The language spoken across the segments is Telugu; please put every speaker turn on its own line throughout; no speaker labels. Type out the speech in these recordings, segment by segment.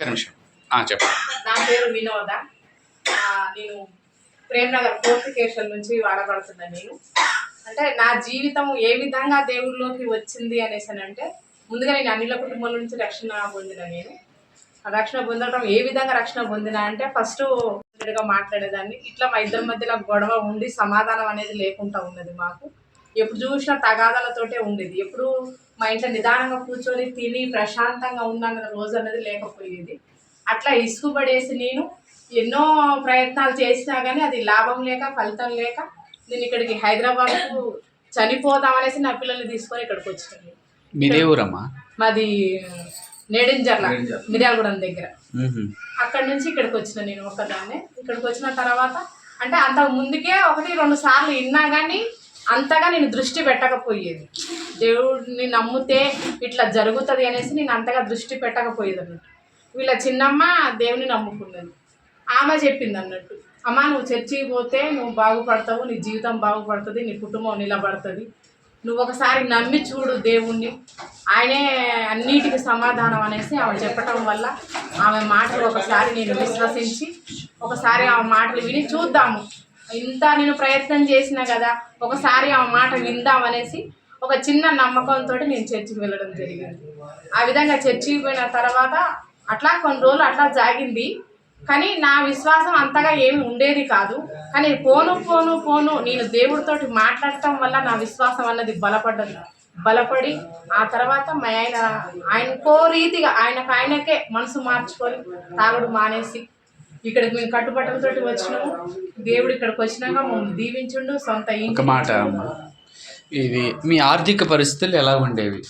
నిమిషం చెప్పండి.
నా పేరు వినోద. నేను ప్రేమ్నగర్ ఫోర్టిఫికేషన్ నుంచి వాడబడుతున్నాను. నేను అంటే నా జీవితం ఏ విధంగా దేవుళ్ళలోకి వచ్చింది అనేసి అంటే, ముందుగా నేను అన్నిల కుటుంబాల నుంచి రక్షణ పొందిన. నేను రక్షణ పొందడం ఏ విధంగా రక్షణ పొందిన అంటే, ఫస్ట్ మాట్లాడేదాన్ని. ఇట్లా మా ఇద్దరి మధ్యలో గొడవ ఉండి సమాధానం అనేది లేకుండా ఉన్నది. మాకు ఎప్పుడు చూసినా తగాదాలతోటే ఉండేది. ఎప్పుడు మా ఇంట్లో నిదానంగా కూర్చొని తిని ప్రశాంతంగా ఉన్న రోజు అనేది లేకపోయేది. అట్లా ఇసుకుపడేసి నేను ఎన్నో ప్రయత్నాలు చేసినా కానీ అది లాభం లేక ఫలితం లేక నేను ఇక్కడికి హైదరాబాద్కు చనిపోదామనేసి నా పిల్లల్ని తీసుకొని ఇక్కడికి వచ్చినాను.
మీదే ఊరమ్మా?
మాది నేడింజర్ల, మిర్యాలగూడెం దగ్గర. అక్కడి నుంచి ఇక్కడికి వచ్చిన నేను ఒక్కదాన్నే. ఇక్కడికి వచ్చిన తర్వాత అంటే అంతకు ముందుకే 1-2 సార్లు విన్నా కానీ అంతగా నేను దృష్టి పెట్టకపోయేది. దేవుడిని నమ్మితే ఇట్లా జరుగుతుంది అనేసి నేను అంతగా దృష్టి పెట్టకపోయేది అన్నట్టు. వీళ్ళ చిన్నమ్మ దేవుని నమ్ముకున్నది. ఆమె చెప్పింది అన్నట్టు, అమ్మ నువ్వు చర్చికి పోతే నువ్వు బాగుపడతావు, నీ జీవితం బాగుపడుతుంది, నీ కుటుంబం నిలబడుతుంది, నువ్వు ఒకసారి నమ్మి చూడు దేవుణ్ణి, ఆయనే అన్నిటికీ సమాధానం అనేసి ఆమె చెప్పటం వల్ల ఆమె మాటలు ఒకసారి నేను విశ్వసించి ఒకసారి ఆమె మాటలు విని చూద్దాము, ఇంత నేను ప్రయత్నం చేసినా కదా ఒకసారి ఆమె మాట విందామనేసి ఒక చిన్న నమ్మకంతో నేను చర్చికి వెళ్ళడం జరిగింది. ఆ విధంగా చర్చికి పోయిన తర్వాత అట్లా కొన్ని రోజులు అట్లా జాగింది. కానీ నా విశ్వాసం అంతగా ఏమి ఉండేది కాదు. కానీ పోను నేను దేవుడితోటి మాట్లాడటం వల్ల నా విశ్వాసం అన్నది బలపడి ఆ తర్వాత ఆయనకో రీతిగా ఆయనకే మనసు మార్చుకొని తాగుడు మానేసి ఇక్కడికి మేము కట్టుబట్టలతోటి వచ్చినాము. దేవుడు ఇక్కడికి వచ్చినాక మమ్మల్ని దీవించుండు. సొంత
ఒక మాట అమ్మ, ఇది మీ ఆర్థిక పరిస్థితులు ఎలా ఉండేవి?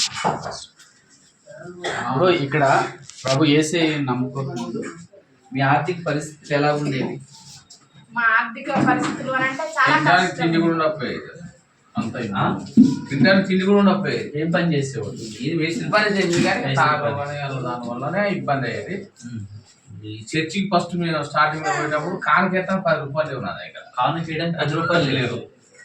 ఇప్పుడు ఇక్కడ ప్రభు యేసే నమ్ముకోకముందు మీ ఆర్థిక పరిస్థితులు ఎలా ఉండేవి?
మా ఆర్థిక పరిస్థితులు అని అంటే చాలా
తిండి కూడా ఉండకపోయేది. అంత తినడానికి తిండి కూడా ఉండకపోయేది.
ఏం పని చేసేవాళ్ళు?
ఇది వేసిన పని చేసింది కానీ దానివల్లనే ఇబ్బంది అయ్యేది. ఈ చర్చికి ఫస్ట్ మేము స్టార్టింగ్ లో పోయేటప్పుడు కానుకేతం 10 రూపాయలు లేవు నా దగ్గర.
కానుకేయడానికి 10 రూపాయలు లేవు.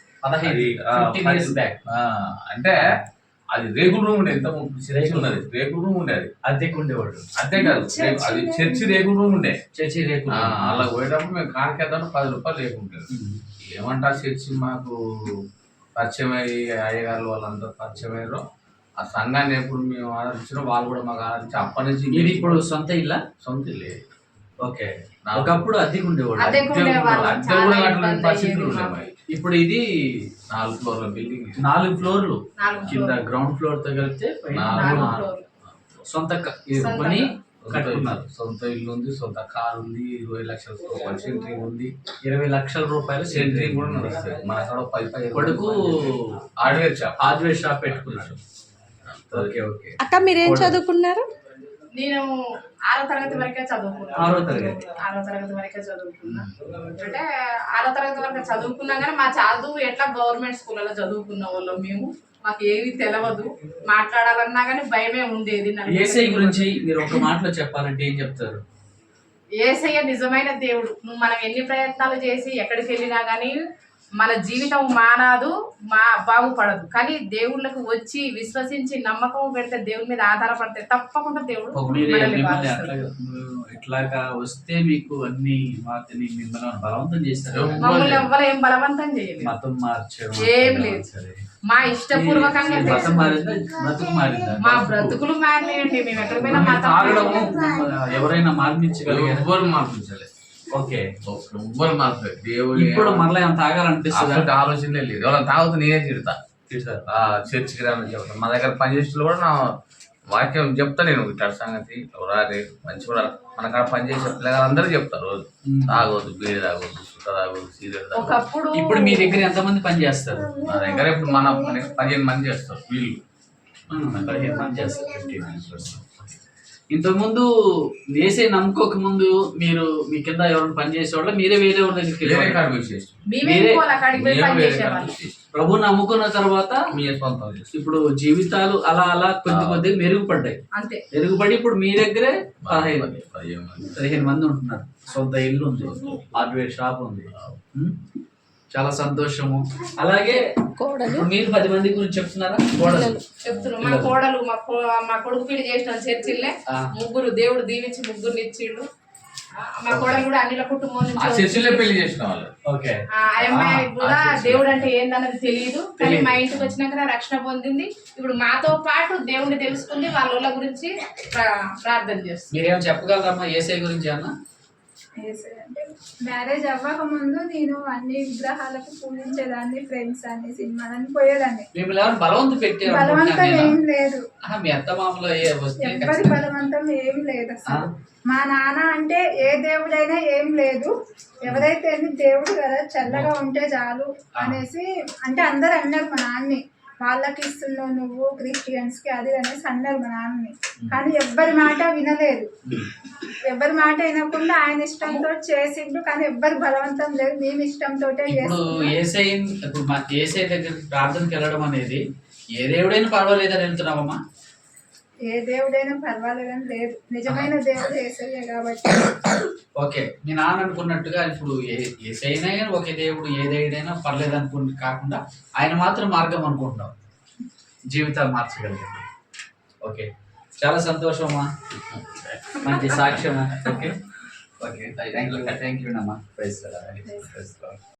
15 బ్యాక్
అంటే అది రేకుల రూమ్ ఉండేది. ఇంత చర్చి ఉన్నది రేకుల రూమ్ ఉండేది.
అద్దెకు ఉండేవాడు.
అంతే కాదు, అది చర్చి రేకుల రూమ్ ఉండే.
చర్చి రేకులు
అలా పోయేటప్పుడు మేము కానుకేద్దాం 10 రూపాయలు లేకుంటుంది. ఏమంటారు, చర్చి మాకు పరిచయం అయ్యి అయ్యగారు వాళ్ళందరూ పరిచయం అయ్యారు. ఆ సంఘాన్ని ఎప్పుడు మేము ఆదరించిన వాళ్ళు కూడా మాకు ఆదరించి అప్పటి నుంచి.
ఇది ఇప్పుడు సొంత ఇల్లా?
సొంత ఇల్లే.
ఓకే. ఒకప్పుడు అద్దెకు ఉండేవాడు.
అద్దె కూడా కట్టలేని పరిస్థితులు ఉన్నాయి.
ఇప్పుడు ఇది
4 ఫ్లోర్ల బిల్డింగ్.
4 ఫ్లోర్లు కింద గ్రౌండ్ ఫ్లోర్ తో కలిపితే సొంత పని కట్టుకున్నారు.
సొంత ఇల్లు ఉంది, సొంత కారు ఉంది, 20 లక్షల రూపాయలు సెంట్రింగ్ ఉంది.
20 లక్షల రూపాయలు
సెంట్రింగ్ కూడా నడుస్తుంది. మన అక్కడ 10
కొడుకు హార్డ్వేర్ షాప్ పెట్టుకున్నాడు. Okay okay.
అక్క మీరేం చదువుకున్నారు?
నేను 6వ తరగతి వరకే చదువుకున్నాను.
6వ తరగతి
వరకే చదువుకున్నా. అంటే 6వ తరగతి వరకు చదువుకున్నా కానీ మా చదువు ఎట్లా గవర్నమెంట్ స్కూళ్ళలో చదువుకున్న వాళ్ళం మేము. మాకు ఏమీ తెలియదు, మాట్లాడాలన్నా కానీ భయమే ఉండేది.
యేసయ్య గురించి మీరు ఒక మాటలో చెప్పాలంటే ఏం చెప్తారు?
యేసయ్య నిజమైన దేవుడు. మనం ఎన్ని ప్రయత్నాలు చేసి ఎక్కడికి వెళ్ళినా కానీ మన జీవితం మానదు, బాగుపడదు. కానీ దేవుళ్ళకు వచ్చి విశ్వసించి నమ్మకం పెడితే, దేవుని మీద ఆధారపడితే తప్పకుండా దేవుడు
ఇట్లాగా వస్తే మీకు అన్ని వాటిని మిమ్మల్ని బలవంతం చేస్తారు.
మమ్మల్ని ఎవ్వరు ఏం బలవంతం చేయలేదు,
మతం మార్చారు
ఏం లేదు. మా ఇష్టపూర్వకంగా మా బ్రతుకులు మారినాయండి. మేము ఎక్కడ పోయినా
ఎవరైనా మార్పించగలిగారు?
ఎవ్వరు మార్పించలేదు.
ఓకే,
ఎవ్వరు మార్చలేదు. దేవుడు
ఇప్పుడు మళ్ళీ ఏమైనా తాగాలనిపిస్తుంది?
ఆలోచనే లేదు. ఎవరైనా తాగుతూ నేనే తిడతారు. చర్చికి రాని చెప్తాను. మా దగ్గర పనిచేసేట్లు కూడా నా వాక్యం చెప్తా. నేను ఇట్లా సంగతి రాలే మంచి కూడా మన కాడ పనిచేసే పిల్లలందరూ చెప్తారు. రోజు తాగొద్దు, బీడి తాగొద్దు, సుఖ తాగొద్దు, సిగరెట్ తాగొద్దు.
ఇప్పుడు మీ దగ్గర ఎంతమంది పని చేస్తారు?
నా దగ్గర ఇప్పుడు మన 15 మంది చేస్తారు. వీళ్ళు
15 మంది చేస్తారు. ఇంతకుముందు వేసే నమ్ముకోక ముందు మీరు మీ కింద ఎవరైనా పని చేసేవాళ్ళ? మీరే వేరే వాళ్ళ దగ్గరికి ప్రభు నమ్ముకున్న తర్వాత ఇప్పుడు జీవితాలు అలా కొద్ది మెరుగుపడ్డాయి. మెరుగుపడి ఇప్పుడు మీ దగ్గరే 15 మంది ఉంటున్నారు. సొంత ఇల్లు ఉంది, హార్డ్వేర్ షాప్ ఉంది. చాలా సంతోషము. అలాగే ఇప్పుడు మీరు 10 మంది గురించి చెప్తున్నారా? కోడలు
చెప్తున్నాం. మా కోడలు మా కొడుకు పీడి చేసిన చర్చిల్లే ముగ్గురు దేవుడు దీవించి ముగ్గురు ఇచ్చిండు. మా కోడలు కూడా అన్నిల కుటుంబం
ఆ
నుంచి
చర్చిలో పెళ్లి చేసిన వాళ్ళు.
ఓకే.
ఆ అమ్మాయి కూడా దేవుడు అంటే ఏందన్నది తెలియదు, కానీ మా ఇంటికి వచ్చినాక రక్షణ పొందింది. ఇప్పుడు మాతో పాటు దేవుడిని తెలుసుకుంది, వాళ్ళ గురించి ప్రార్థన చేస్తుంది.
మీరేమో చెప్పగలరమ్మా యేసయ్య గురించి అన్న?
అంటే మ్యారేజ్ అవ్వక ముందు నేను అన్ని విగ్రహాలకు పూజించేదాన్ని, ఫ్రెండ్స్ అన్ని సినిమాలని పోయేదాన్ని.
మిమ్మల్ని ఎవరు బలవంతం పెట్టారు?
బలవంతం ఏం లేదు,
మీ అత్త మామలో వస్తే
ఎవ్వరి బలవంతం ఏం లేదు అసలు. మా నాన్న అంటే ఏ దేవుడైనా ఏం లేదు, ఎవరైతే దేవుడు కదా చల్లగా ఉంటే చాలు అనేసి అంటే అందరు అన్నారు మా నాన్నని. వాళ్ళకి ఇస్తున్నావు నువ్వు క్రిస్టియన్స్ కి అది అనేసి అన్నారు మా నాన్నని. కానీ ఎవ్వరి మాట వినలేదు, ఎవ్వరి మాట వినకుండా ఆయన ఇష్టంతో చేసిండు. కానీ ఎవ్వరి బలవంతం లేదు, మేము ఇష్టంతో
ఇప్పుడు యేసయ్య దగ్గరికి ప్రార్థనకి వెళ్ళడం అనేది ఏ దేవుడైనా పర్వాలేదని వెళ్తున్నావమ్మా?
ఏ దేవుడైనా పర్వాలేదని లేదు, నిజమైన దేవుడు యేసయ్య కాబట్టి.
ఓకే. మీ నాన్న అనుకున్నట్టుగా ఇప్పుడు యేసయ్యనే ఒకే దేవుడు, ఏ దేవుడైనా పర్లేదు అనుకుని కాకుండా ఆయన మాత్రం మార్గం అనుకుంటున్నాం, జీవితాలు మార్చగలిగింది. ఓకే, చాలా సంతోషమమ్మా, మంచి సాక్ష్యము. ఓకే ఓకే, థ్యాంక్ యూ అమ్మా. ప్రైజ్